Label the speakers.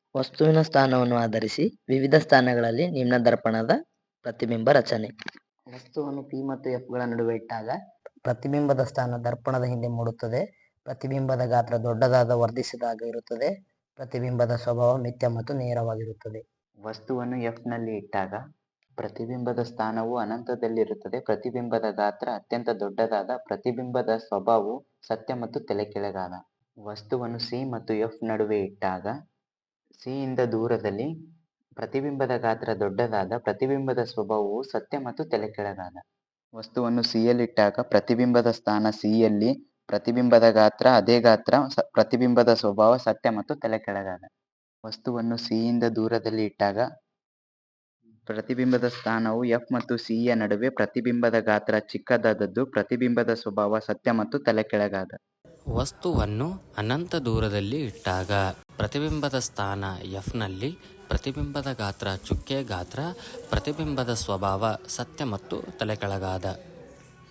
Speaker 1: ವಸ್ತುವಿನ ಸ್ಥಾನವನ್ನು ಆಧರಿಸಿ ವಿವಿಧ ಸ್ಥಾನಗಳಲ್ಲಿ ನಿಮ್ನ ದರ್ಪಣದ ಪ್ರತಿಬಿಂಬ ರಚನೆ. ವಸ್ತುವನ್ನು P ಮತ್ತು F ಗಳ ನಡುವೆ ಇಟ್ಟಾಗ ಪ್ರತಿಬಿಂಬದ ಸ್ಥಾನ ದರ್ಪಣದ ಹಿಂದೆ ಮೂಡುತ್ತದೆ. ಪ್ರತಿಬಿಂಬದ ಗಾತ್ರ ದೊಡ್ಡದಾದ ವರ್ಧಿಸಿದಾಗ ಇರುತ್ತದೆ. ಪ್ರತಿಬಿಂಬದ ಸ್ವಭಾವ ಮಿಥ್ಯ ಮತ್ತು ನೇರವಾಗಿರುತ್ತದೆ.
Speaker 2: ವಸ್ತುವನ್ನು F ನಲ್ಲಿ ಇಟ್ಟಾಗ ಪ್ರತಿಬಿಂಬದ ಸ್ಥಾನವು ಅನಂತದಲ್ಲಿರುತ್ತದೆ. ಪ್ರತಿಬಿಂಬದ ಗಾತ್ರ ಅತ್ಯಂತ ದೊಡ್ಡದಾದ. ಪ್ರತಿಬಿಂಬದ ಸ್ವಭಾವವು ಸತ್ಯ ಮತ್ತು ತಲೆಕೆಳಗಾದ. ವಸ್ತುವನ್ನು C ಮತ್ತು F ನಡುವೆ ಇಟ್ಟಾಗ C ಇಂದ ದೂರದಲ್ಲಿ ಪ್ರತಿಬಿಂಬದ ಗಾತ್ರ ದೊಡ್ಡದಾದ. ಪ್ರತಿಬಿಂಬದ ಸ್ವಭಾವವು ಸತ್ಯ ಮತ್ತು ತಲೆಕೆಳಗಾದ. ವಸ್ತುವನ್ನು C ಯಲ್ಲಿಟ್ಟಾಗ ಪ್ರತಿಬಿಂಬದ ಸ್ಥಾನ C ಯಲ್ಲಿ, ಪ್ರತಿಬಿಂಬದ ಗಾತ್ರ ಅದೇ ಗಾತ್ರ, ಪ್ರತಿಬಿಂಬದ ಸ್ವಭಾವ ಸತ್ಯ ಮತ್ತು ತಲೆಕೆಳಗಾದ. ವಸ್ತುವನ್ನು C ಯಿಂದ ದೂರದಲ್ಲಿ ಇಟ್ಟಾಗ ಪ್ರತಿಬಿಂಬದ ಸ್ಥಾನವು F ಮತ್ತು C ಯ ನಡುವೆ, ಪ್ರತಿಬಿಂಬದ ಗಾತ್ರ ಚಿಕ್ಕದಾದದ್ದು, ಪ್ರತಿಬಿಂಬದ ಸ್ವಭಾವ ಸತ್ಯ ಮತ್ತು ತಲೆಕೆಳಗಾದ.
Speaker 3: ವಸ್ತುವನ್ನು ಅನಂತ ದೂರದಲ್ಲಿ ಇಟ್ಟಾಗ ಪ್ರತಿಬಿಂಬದ ಸ್ಥಾನ F ನಲ್ಲಿ, ಪ್ರತಿಬಿಂಬದ ಗಾತ್ರ ಚುಕ್ಕೆ ಗಾತ್ರ, ಪ್ರತಿಬಿಂಬದ ಸ್ವಭಾವ ಸತ್ಯ ಮತ್ತು ತಲೆಕೆಳಗಾದ.